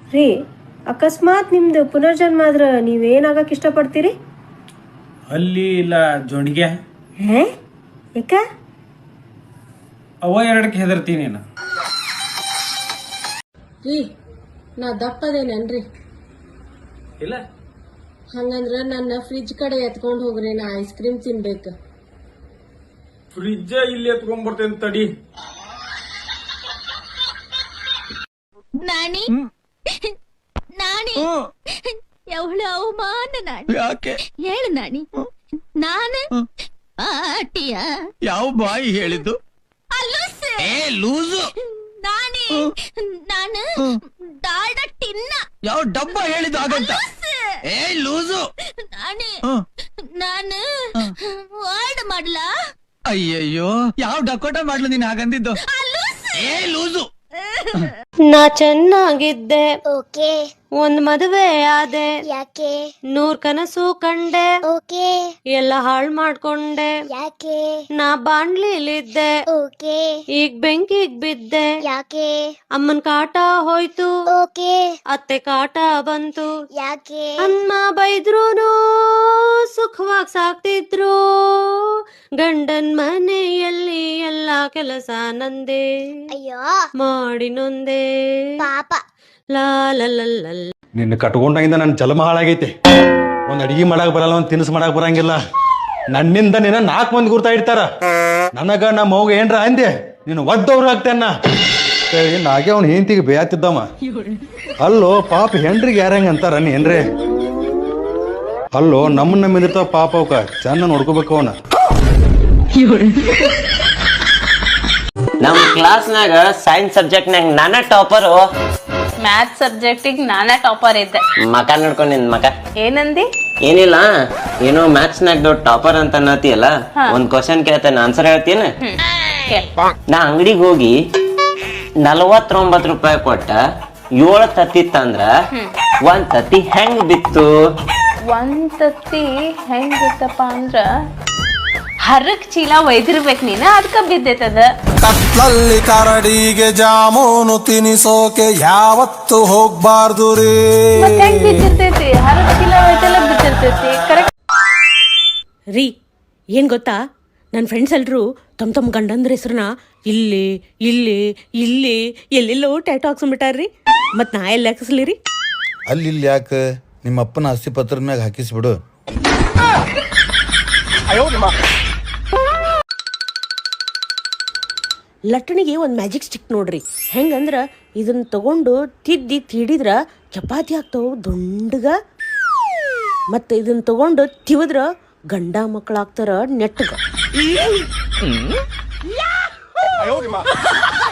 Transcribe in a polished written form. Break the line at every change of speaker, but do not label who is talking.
ರೀ, ಅಕಸ್ಮಾತ್ ನಿಮ್ದು ಪುನರ್ಜನ್ಮ ಆದ್ರೆ ನೀವೇನಾಗಕ್ಕೆ ಇಷ್ಟಪಡ್ತೀರಿ?
ಅಲ್ಲಿ ಇಲ್ಲ ಜೋಣಿಗೆ.
ಯಾಕ?
ಅವ ಎರಡಕ್ಕೆ ಹೆದರ್ತೀನಿ ನಾನು.
ರೀ, ನಾ ದಪ್ಪದೇನನ್ರಿ?
ಇಲ್ಲ.
ಹಂಗಂದ್ರ ನನ್ನ ಫ್ರಿಜ್ ಕಡೆ ಎತ್ಕೊಂಡು ಹೋಗ್ರಿ, ನಾ ಐಸ್ ಕ್ರೀಮ್ ತಿನ್ಬೇಕು.
ಫ್ರಿಜ್ ಇಲ್ಲಿ ಎತ್ಕೊಂಡ್ಬರ್ತೇನೆ ತಡಿ.
ನಾನಿ ನಾನಿ ಎವಳ ಅವಮಾನ ನಾನಿ.
ಯಾಕೆ
ಹೇಳು ನಾನಿ. ನಾನು ಆಟಿಯ
ಯಾವ ಬಾಯಿ ಹೇಳಿದ್ದು? ಲೂಸು.
ನಾನಿ ನಾನು ಡಾಲ್ಡ ಟಿನ್ನ
ಯಾವ ಡಬ್ಬ ಹೇಳಿದ್ದು ಹಾಗಂತ? ಲೂಸು.
ನಾನಿ ನಾನು ವರ್ಡ್ ಮಾಡ್ಲಾ?
ಅಯ್ಯಯ್ಯೋ, ಯಾವ ಡಕೋಟ ಮಾಡ್ಲು ನೀನ್ ಹಾಗಂದಿದ್ದು? ಲೂಸು.
ನಾ ಚೆನ್ನಾಗಿದ್ದೆ,
ಓಕೆ.
ಒಂದ್ ಮದುವೆ ಆದೆ,
ಯಾಕೆ?
100 ಕನಸು ಕಂಡೆ,
ಓಕೆ.
ಎಲ್ಲ ಹಾಳ್ ಮಾಡ್ಕೊಂಡೆ.
ಯಾಕೆ?
ನಾ ಬಾಣ್ಲಿಲಿದ್ದೆ,
ಓಕೆ.
ಈಗ ಬೆಂಕಿಗ್ ಬಿದ್ದೆ.
ಯಾಕೆ?
ಅಮ್ಮನ್ ಕಾಟ ಹೋಯ್ತು,
ಓಕೆ.
ಅತ್ತೆ ಕಾಟ ಬಂತು.
ಯಾಕೆ?
ಅಮ್ಮ ಬೈದ್ರೂನು ಸುಖವಾಗಿ ಸಾಕ್ತಿದ್ರು, ಗಂಡನ್ ಮನೆಯಲ್ಲಿ ಎಲ್ಲಾ ಕೆಲಸ ನಂದೆ,
ಅಯ್ಯೋ
ಮಾಡಿ ನೊಂದೆ.
ಪಾಪ.
ಲಾ ಲ ಲ ಲ ಲ.
ನಿನ್ನ ಕಟ್ಕೊಂಡಾಗಿಂದ ನನ್ನ ಜನ್ಮ ಹಾಳಾಗೈತಿ. ಒಂದು ಅಡಿಗೆ ಮಾಡಕ್ ಬರಲ್ಲ, ಒಂದು ತಿನಿಸು ಮಾಡಕ್ ಬರಂಗಿಲ್ಲ. ನನ್ನಿಂದ ನಿನ್ನ 4 ಮಂದಿ ಗುರ್ತಾ ಇಡ್ತಾರ. ನನಗ ನಮ್ಮ ಮಗ ಏನ್ರ ಅಂದೆ ನೀನು ಒದ್ದವ್ರು ಆಗ್ತೇನ ನಾಗೆ ಅವ್ನ ಹೆಂಡತಿಗೆ ಬೇಯತ್ತಿದ್ದಮ್ಮ. ಅಲ್ಲೋ ಪಾಪ ಹೆಂಡ್ರಿಗೆ ಯಾರಂಗ ಅಂತಾರ ಏನ್ರಿ? ಅಲ್ಲೋ ನಮ್ಮನ್ನ ನಂಬಿರ್ತಾವ ಪಾಪ ಅವಕ ಚೆನ್ನ ನೋಡ್ಕೋಬೇಕು ಅವನ.
ನಮ್ ಕ್ಲಾಸ್ನಾಗ ಸೈನ್ಸ್ ಸಬ್ಜೆಕ್ಟ್ನಾಗ ನಾನ ಟಾಪರು.
ಮ್ಯಾಥ್ಸ್ ಸಬ್ಜೆಕ್ಟಿಗೆ ನಾನೇ ಟಾಪರ್ ಇದ್ದೆ.
ಮಕ ನೋಡ್ಕೊಂಡ್ ನಿನ್ ಮಕ.
ಏನಂದಿ?
ಏನಿಲ್ಲ, ಏನೋ ಮ್ಯಾಥ್ಸ್ನಾಗ ಟಾಪರ್ ಅಂತ ಅನ್ನತಿಯಲ್ಲ, ಒಂದ್ ಕ್ವಶನ್ ಕೇಳ್ತೇನೆ, ಆನ್ಸರ್ ಹೇಳ್ತೀನಿ. ನಾ ಅಂಗಡಿಗೆ ಹೋಗಿ 49 ರೂಪಾಯಿ ಕೊಟ್ಟ 7 ತತ್ತಿ ತಂದ್ರ 1 ತತ್ತಿ ಹೆಂಗ್ ಬಿತ್ತು?
1 ತತ್ತಿ ಹೆಂಗ್ ಬಿತ್ತಪ್ಪ ಅಂದ್ರ ಹರಕ್ ಚೀಲ ಒಯ್ದಿರ್ಬೇಕು ನೀನು, ಅದಕ್ಕ ಬಿದ್ದೈತದ.
ಕತ್ಲಲ್ಲಿ ಕರಡಿಗೆ ಜಾಮೂನು ತಿನಿಸೋಕೆ ಯಾವತ್ತು ಹೋಗ್ಬಾರ್ದು ರೀ.
ಮತ್ತೆ ಹೆಂಗ್ ಬಿದ್ದಿರ್ತೈತಿ? ಹರಕ್ ಚೀಲ ಒಯ್ದೆಲ್ಲ ಬಿದ್ದಿರ್ತೈತಿ. ಕರೆಕ್ಟ್
ರೀ, ಏನ್ ಗೊತ್ತಾ, ನನ್ನ ಫ್ರೆಂಡ್ಸ್ ಎಲ್ರು ತಮ್ಮ ಗಂಡಂದ್ರ ಹೆಸ್ರನ್ನ ಇಲ್ಲಿ ಇಲ್ಲಿ ಇಲ್ಲಿ ಎಲ್ಲೆಲ್ಲೋ ಟ್ಯಾಟೋ ಹಾಕ್ಸ್ಬಿಟ್ಟಾರ್ರಿ. ಮತ್ ನಾ ಎಲ್ಲಿ ಹಾಕಿಸ್ಲಿ ರೀ?
ಅಲ್ಲಿ ಯಾಕೆ ನಿಮ್ಮ ಅಪ್ಪನ ಆಸ್ತಿ ಪತ್ರದ ಮ್ಯಾಗ ಹಾಕಿಸ್ಬಿಡು.
ಲಟ್ಟಣಿಗೆ ಒಂದು ಮ್ಯಾಜಿಕ್ ಸ್ಟಿಕ್ ನೋಡ್ರಿ. ಹೆಂಗಂದ್ರ ಇದನ್ನ ತಗೊಂಡು ತಿಡಿದ್ರ ಚಪಾತಿ ಆಗ್ತಾವ ದೊಂಡಗ. ಮತ್ತೆ ಇದನ್ನ ತಗೊಂಡು ತಿವಿದ್ರ ಗಂಡ ಮಕ್ಕಳಾಗ್ತಾರ ನೆಟ್ಟಗ.